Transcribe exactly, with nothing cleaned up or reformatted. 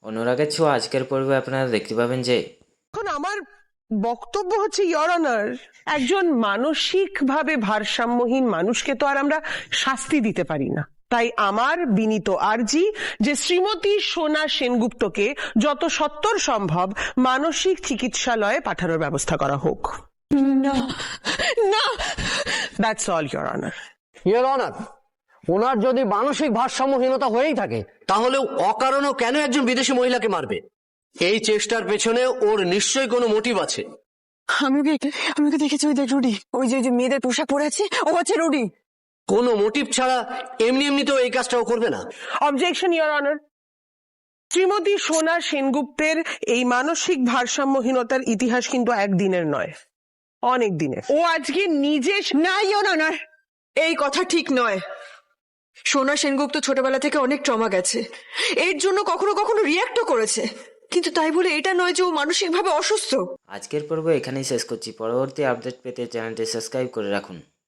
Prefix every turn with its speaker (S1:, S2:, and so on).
S1: অনুরাগের ছোঁয়া আজকের পর্বে আপনারা দেখতে পাবেন যে
S2: এখন আমার বক্তব্য হচ্ছে ইওর অনার, একজন মানসিকভাবে ভারসাম্যহীন মানুষকে তো আর আমরা শাস্তি দিতে পারি না। তাই আমার বিনীত আর্জি যে শ্রীমতী সোনা সেনগুপ্তকে যত সত্বর সম্ভব মানসিক চিকিৎসালয়ে পাঠানোর ব্যবস্থা করা হোক।
S3: না না,
S2: that's all your honour.
S4: Your honour, ওনার যদি মানসিক ভারসাম্যহীনতা হয়েই থাকে তাহলে অকারণেও কেন একজন বিদেশি মহিলাকে মারবে? এই চেষ্টার পেছনে ওর নিশ্চয়ই কোনো মোটিভ আছে।
S3: আমি ওকে আমি ওকে দেখেছি, ওই দেখ রুডি, ওই যে ওই যে মেয়েদের পোশাক পরে আছে, ও হচ্ছে রুডি।
S4: কোনো মোটিভ ছাড়া এমনি এমনি তো এই কাজটাও করবে না।
S2: Objection your honour. শ্রীমতী সোনা সেনগুপ্তের এই মানসিক ভারসাম্যহীনতার ইতিহাস কিন্তু একদিনের নয়, অনেক দিনের। ও আজকে নিজে
S3: না ইওর অনার, এই কথা ঠিক নয়। সোনা সেনগুপ্ত ছোটবেলা থেকে অনেক ট্রমা গেছে, এর জন্য কখনো কখনো রিয়াক্টও করেছে, কিন্তু তাই বলে এটা নয় যে ও মানসিকভাবে অসুস্থ।
S1: আজকের পর্ব এখানেই শেষ করছি। পরবর্তী আপডেট পেতে চ্যানেলটি সাবস্ক্রাইব করে রাখুন।